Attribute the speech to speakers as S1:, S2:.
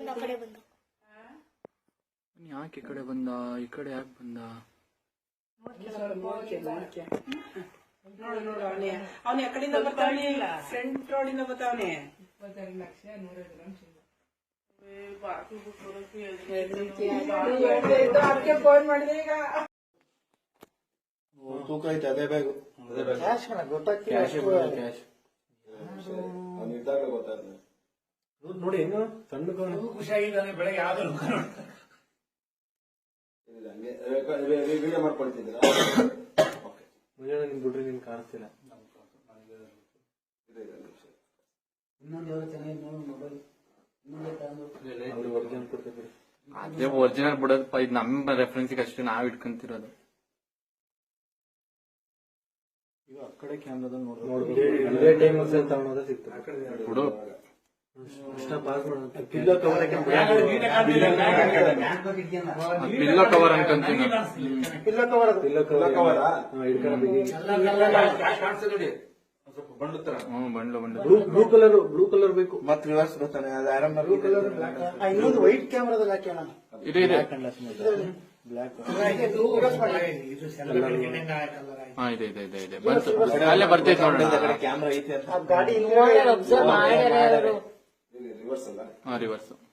S1: ಯಾಕೆ ಈ ಕಡೆ ಬಂದ, ಈ ಕಡೆ ಯಾಕೆ ಬಂದ?
S2: ಅವನ ಕಡೆಯಿಂದ ಬರ್ತಾವನೆ, ಫ್ರಂಟ್ ರೋಡಿಂದ ಬರ್ತಾವನೆ. ಅದಕ್ಕೆ ಫೋನ್ ಮಾಡಿದೆ ಈಗ.
S3: ತೂಕ ಐತೆ, ಅದೇ ಬ್ಯಾಗು. ನೋಡಿ ಹೆಂಗ ಸಣ್ಣ
S4: ಖುಷಿಯಾಗಿದ್ದಾನೆ. ಬೆಳಗ್ಗೆ ಯಾವ್ದು
S3: ವಿಡಿಯೋ ಮಾಡ್ಕೊಳ್ತಿದ್ದೀರಾ? ಮುಂಜಾನೆ ನಿಮ್ ಬಿಡ್ರಿ, ನಿನ್ ಕಾಣಿಸ್ತಿಲ್ಲ.
S1: ಅದೇ ಒರಿಜಿನಲ್ ಬಿಡೋದಪ್ಪ, ಇದು ನಮ್ಮ ರೆಫರೆನ್ಸಿಗೆ ಅಷ್ಟೇ ನಾವ್ ಇಟ್ಕೊಂತಿರೋದು.
S3: ಈಗ ಆ ಕಡೆ ಕ್ಯಾಮ್ರಾದಲ್ಲಿ ನೋಡ್ಬೋದು, ಇದೇ ಟೈಮ್ ತಗೊಳೋದ ಸಿಗ್ತದೆ
S1: ಬಿಡು.
S3: ಪಿಲ್ಲೋ ಕವರ್
S1: ಪಿಲ್ಲೋ ಕವರ್ ಅನ್ಕೊಂತೀನಿ.
S3: Pillow cover
S1: bundle
S3: blue colour ಬೇಕು. ಮತ್ತೆ ರಿವರ್ಸ್ ಬರ್ತಾನೆ, ಅದು ಆರಾಮ. ಬ್ಲೂ ಕಲರ್, ಇನ್ನೊಂದು ವೈಟ್ ಕ್ಯಾಮ್ರಾದಲ್ಲಿ ಹಾಕಿ ಅಣ್ಣ.
S1: ಇದೆ ಇದೆ.
S3: ಬ್ಲಾಕ್
S1: ಹಾ ಇದೆ ಇದೆ ಇದೆ ಇದೆ. ಬಂತು, ಅಲ್ಲೇ ಬರ್ತೈತೆ ನೋಡೋಣ.
S3: ಕ್ಯಾಮ್ರಾ ಐತೆ ಅಂತ.
S1: ಹಾ ರಿವರ್ಸ್.